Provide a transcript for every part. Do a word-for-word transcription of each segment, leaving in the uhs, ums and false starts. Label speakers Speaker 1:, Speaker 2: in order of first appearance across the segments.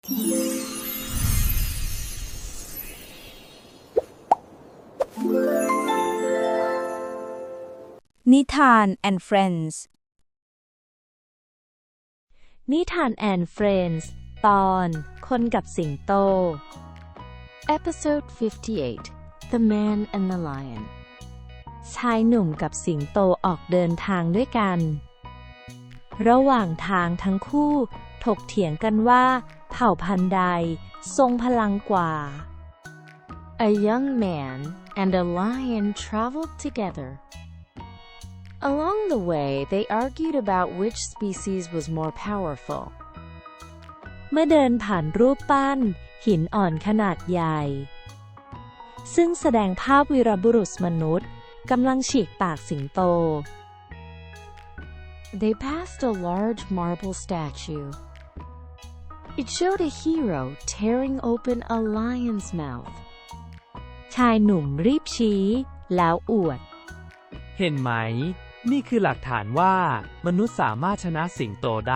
Speaker 1: นิทาน and Friends
Speaker 2: นิทาน and Friends ตอนคนกับสิงโต Episode fifty-eight The Man and the Lion ชายหนุ่มกับสิงโตออกเดินทางด้วยกันระหว่างทางทั้งคู่ถกเถียงกันว่าเผ่าพันธุ์ใดทรงพลังกว่า A young man and a lion traveled together. Along the way, they argued about which species was more powerful. เมื่อเดินผ่านรูปปั้นหินอ่อนขนาดใหญ่ซึ่งแสดงภาพวีรบุรุษมนุษย์กำลังฉีกปากสิงโต They passed a large marble statue. It showed a hero tearing open a lion's mouth. ชายหนุ่มรีบชี้แล้วอวด
Speaker 3: เห็นไหมนี่คือหลักฐานว่ามนุษย์สามารถชนะสิงโตได้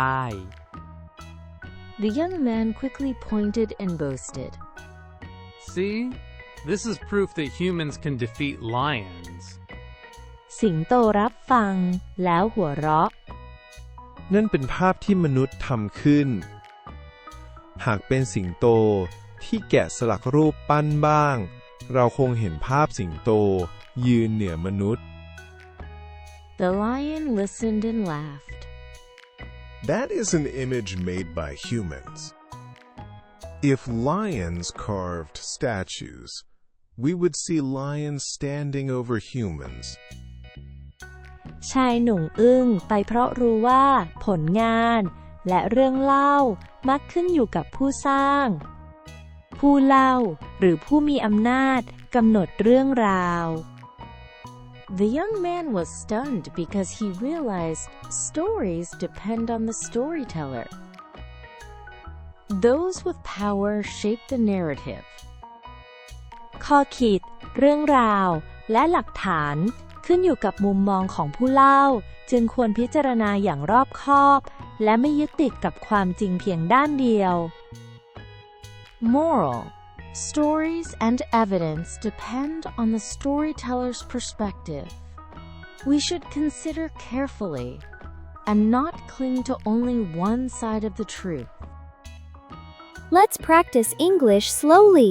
Speaker 2: The young man quickly pointed and boasted.
Speaker 4: See, this is proof that humans can defeat lions.
Speaker 2: สิงโตรับฟังแล้วหัวเราะ
Speaker 5: นั่นเป็นภาพที่มนุษย์ทำขึ้นหากเป็นสิงโตที่แกะสลักรูปปั้นบ้างเราคงเห็นภาพสิงโตยืนเหนือมนุษย์
Speaker 2: The lion listened and laughed.
Speaker 6: That is an image made by humans. If lions carved statues, we would see lions standing over humans.
Speaker 2: ชายหนุ่มอึ้งไปเพราะรู้ว่าผลงานและเรื่องเล่ามักขึ้นอยู่กับผู้สร้างผู้เล่าหรือผู้มีอำนาจกำหนดเรื่องราว The young man was stunned because he realized stories depend on the storyteller. Those with power shape the narrative. ข้อคิดเรื่องราวและหลักฐานขึ้นอยู่กับมุมมองของผู้เล่าจึงควรพิจารณาอย่างรอบคอบและไม่ยึดติดกับความจริงเพียงด้านเดียว Moral: Stories and evidence depend on the storyteller's perspective. We should consider carefully and not cling to only one side of the truth.
Speaker 7: Let's practice English slowly.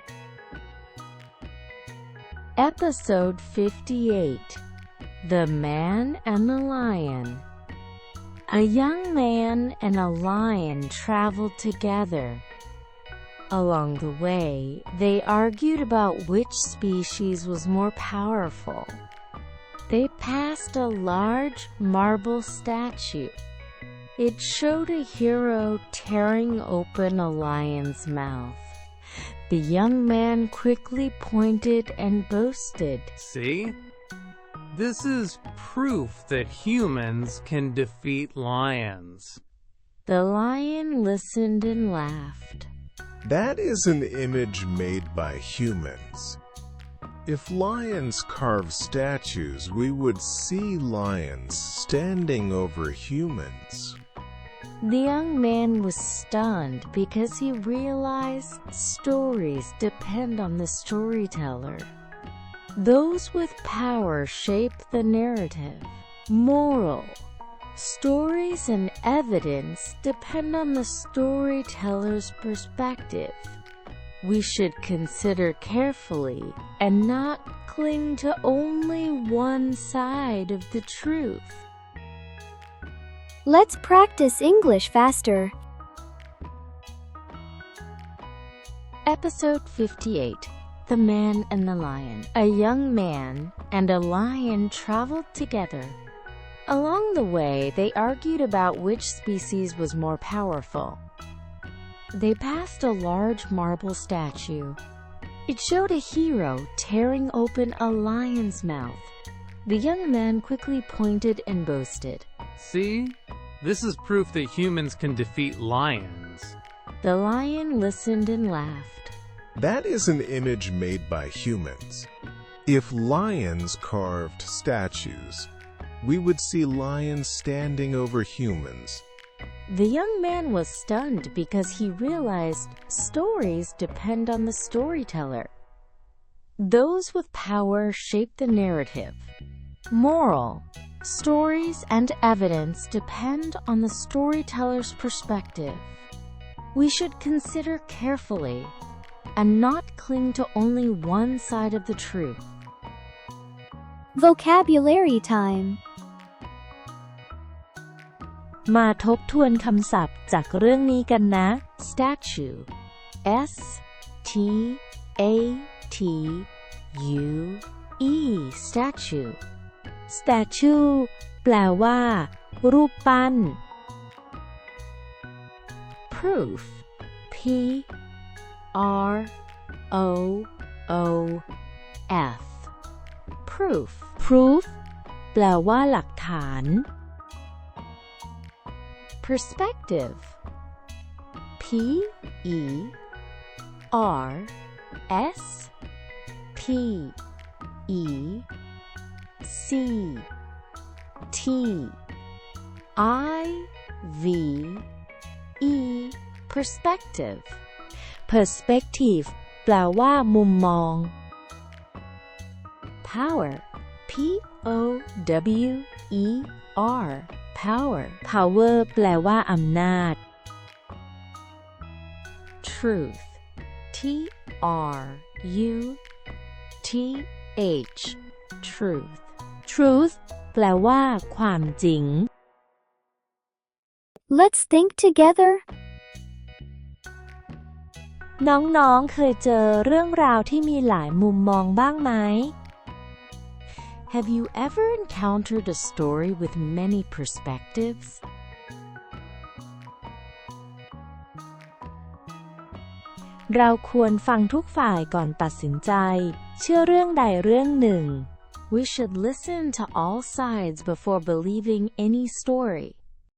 Speaker 2: Episode fifty-eight The Man and the Lion. A young man and a lion traveled together. Along the way, they argued about which species was more powerful. They passed a large marble statue. It showed a hero tearing open a lion's mouth. The young man quickly pointed and boasted.
Speaker 4: See? This is proof that humans can defeat lions.
Speaker 2: The lion listened and laughed.
Speaker 6: That is an image made by humans. If lions carved statues, we would see lions standing over humans.
Speaker 2: The young man was stunned because he realized stories depend on the storyteller. Those with power shape the narrative. Moral: Stories and evidence depend on the storyteller's perspective. We should consider carefully and not cling to only one side of the truth.
Speaker 7: Let's practice English faster.
Speaker 2: Episode fifty-eight The Man and the Lion. A young man and a lion traveled together. Along the way, they argued about which species was more powerful. They passed a large marble statue. It showed a hero tearing open a lion's mouth. The young man quickly pointed and boasted.
Speaker 4: See? This is proof that humans can defeat lions.
Speaker 2: The lion listened and laughed.
Speaker 6: That is an image made by humans. If lions carved statues, we would see lions standing over humans.
Speaker 2: The young man was stunned because he realized stories depend on the storyteller. Those with power shape the narrative. Moral: stories and evidence depend on the storyteller's perspective. We should consider carefully and not cling to only one side of the truth.
Speaker 7: Vocabulary time.
Speaker 2: มาทบทวนคำศัพท์จากเรื่องนี้กันนะ statue S T A T U E statue statue แปลว่า รูปปั้น proof P R O O F proof proof แปลว่าหลักฐาน perspective P E R S P E C T I V E perspective perspective แปลว่ามุมมอง power P O W E R power power แปลว่าอำนาจ truth T R U T H truth truth แปลว่าความจริง
Speaker 7: Let's think together.
Speaker 2: น้องๆ เคยเจอเรื่องราวที่มีหลายมุมมองบ้างไหม Have you ever encountered a story with many perspectives? เราควรฟังทุกฝ่ายก่อนตัดสินใจ เชื่อเรื่องใดเรื่องหนึ่ง We should listen to all sides before believing any story.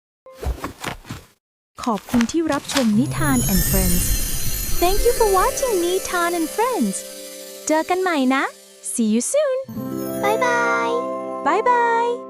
Speaker 1: ขอบคุณที่รับชมนิทาน and Friends Thank you for watching Nitan and Friends เจอกันใหม่นะ See you soon
Speaker 7: Bye bye.
Speaker 1: Bye bye